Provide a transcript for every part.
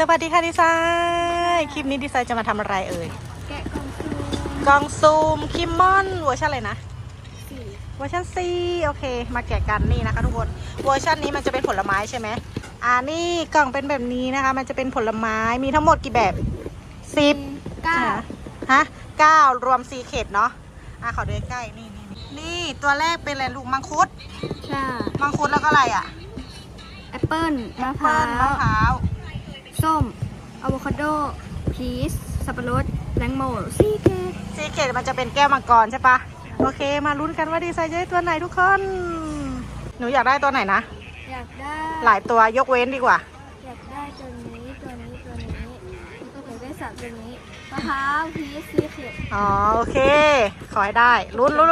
วัสดีค่ะดีไซน์คลิปนี้ดีไซน์จะมาทำอะไรเอ่ยแกะกล่องซูมคิมมอนเวอร์ชันอะไรนะสี่เวอร์ชัน4โอเคมาแกะกันนี่นะคะทุกคนเวอร์ชันนี้มันจะเป็นผลไม้ใช่ไหมนี่กล่องเป็นแบบนี้นะคะมันจะเป็นผลไม้มีทั้งหมดกี่แบบ10 9 ฮะ9รวม4เขตเนาะขอดูใกล้นี่ตัวแรกเป็นอะไรลูกมังคุดใช่มังคุดแล้วก็อะไรแอปเปิ้ลมะพเปิ้ร้าลมะพร้าวส้มอะโวคาโดพีชสับปะรดแตงโมซีเกตมันจะเป็นแก้วมังกรใช่ปะโอเคมาลุ้นกันว่าดีไซน์จะได้ตัวไหนทุกคนหนูอยากได้ตัวไหนนะอยากได้หลายตัวยกเว้นดีกว่าอยากได้ตัวนี้แล้วก็อยากได้3ตัวนี้มะพร้าวพีชซีเกตโอเคขอให้ได้ลุ้น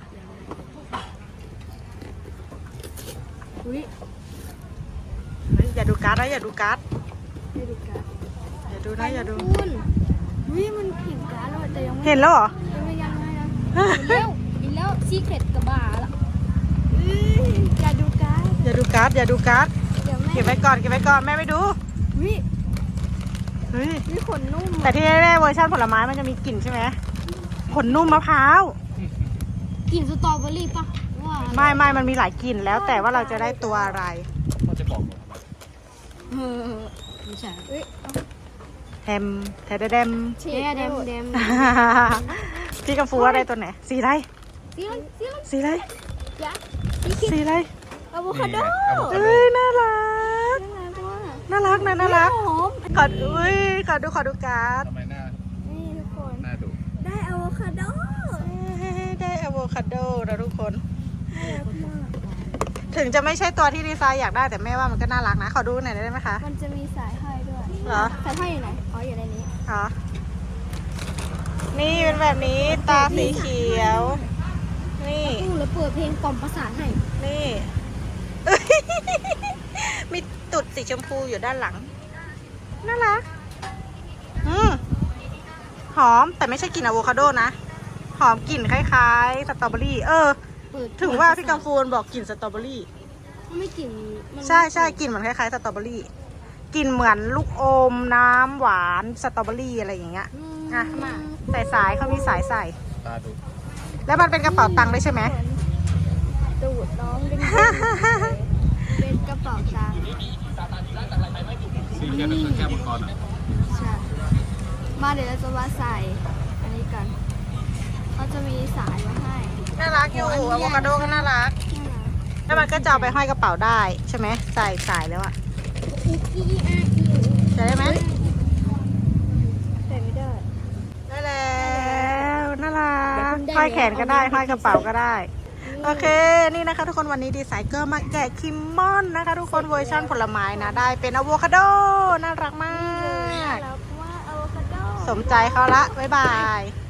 อุ้ยอย่าดูการ์ดนะอย่าดูการ์ดได้ดูการ์ดอย่าดูนะอย่าดูคุณอุ้ยมันเห็นการ์ดแล้วแต่ยังไม่เห็นแล้วเหรอยังไงนะเร็วอีกแล้วซีเกตกับบาละอย่าดูการ์ดอย่าดูการ์ดเก็บไว้ก่อนแม่ไม่ดูเฮ้ยขนนุ่มแต่ที่แน่ๆเวอร์ชันผลไม้มันจะมีกลิ่นใช่ไหมขนนุ่มมะพร้าวกลิ่นสตรอเบอรี่ปะไม่มันมีหลายกลิ่นแล้วแต่ว่าเราจะได้ตัวอะไรมันจะบอกไม่ใช่แฮมแทเดมพี่กำฟูว่าได้ตัวไหนสีอะไรสีอะไรอะโวคาโดน่ารักขอดูการ์ดทำไมหน้านี่ทุกคนหน้าดุได้อะโวคาโดนะทุกคนถึงจะไม่ใช่ตัวที่ดีไซน์อยากได้แต่แม่ว่ามันก็น่ารักนะขอดูหน่อยได้ไหมคะมันจะมีสายห้อยด้วยเหรอสายห้อยอยู่ไหนอยู่ในนี้นี่เป็นแบบนี้ตาสีเขียวนี่แล้วเปิดเพลงกล่อมประสานให้นี่มีตุดสีชมพูอยู่ด้านหลังน่ารักหอมแต่ไม่ใช่กลิ่นอะโวคาโดนะหอมกลิ่นคล้ายๆสตรอเบอรี่ถึงว่าพี่กังฟูนบอกกลิ่นสตรอเบอรี่ไม่กลิ่นใช่กลิ่นเหมือนคล้ายๆสตรอเบอรี่กลิ่นเหมือนลูกอมน้ำหวานสตรอเบอรี่อะไรอย่างเงี้ยมาใส่สายเขามีสายใส่ตาดุแล้วมันเป็นกระเป๋าตังค์ด้วยใช่ไหมตูดน้องเป็นกระเป๋าตังค์ซีแก้วนั่นคือแก้วมังกรใช่มาเดี๋ยวเราจะมาใส่อันนี้กันเขาจะมีสายมาให้น่ารักอยู่อะโวคาโดก็น่ารักแล้วมันก็จะเอาไปห้อยกระเป๋าได้ใช่ไหมใส่สายแล้วอะใส่ได้ไหมใส่ไม่ได้แล้วน่ารักห้อยแขนก็ได้ห้อยกระเป๋าก็ได้โอเคนี่นะคะทุกคนวันนี้ดีไซน์ก็มาแกะคิมมอนนะคะทุกคนเวอร์ชันผลไม้นะได้เป็นอะโวคาโดน่ารักมากสมใจเขาละบ๊ายบาย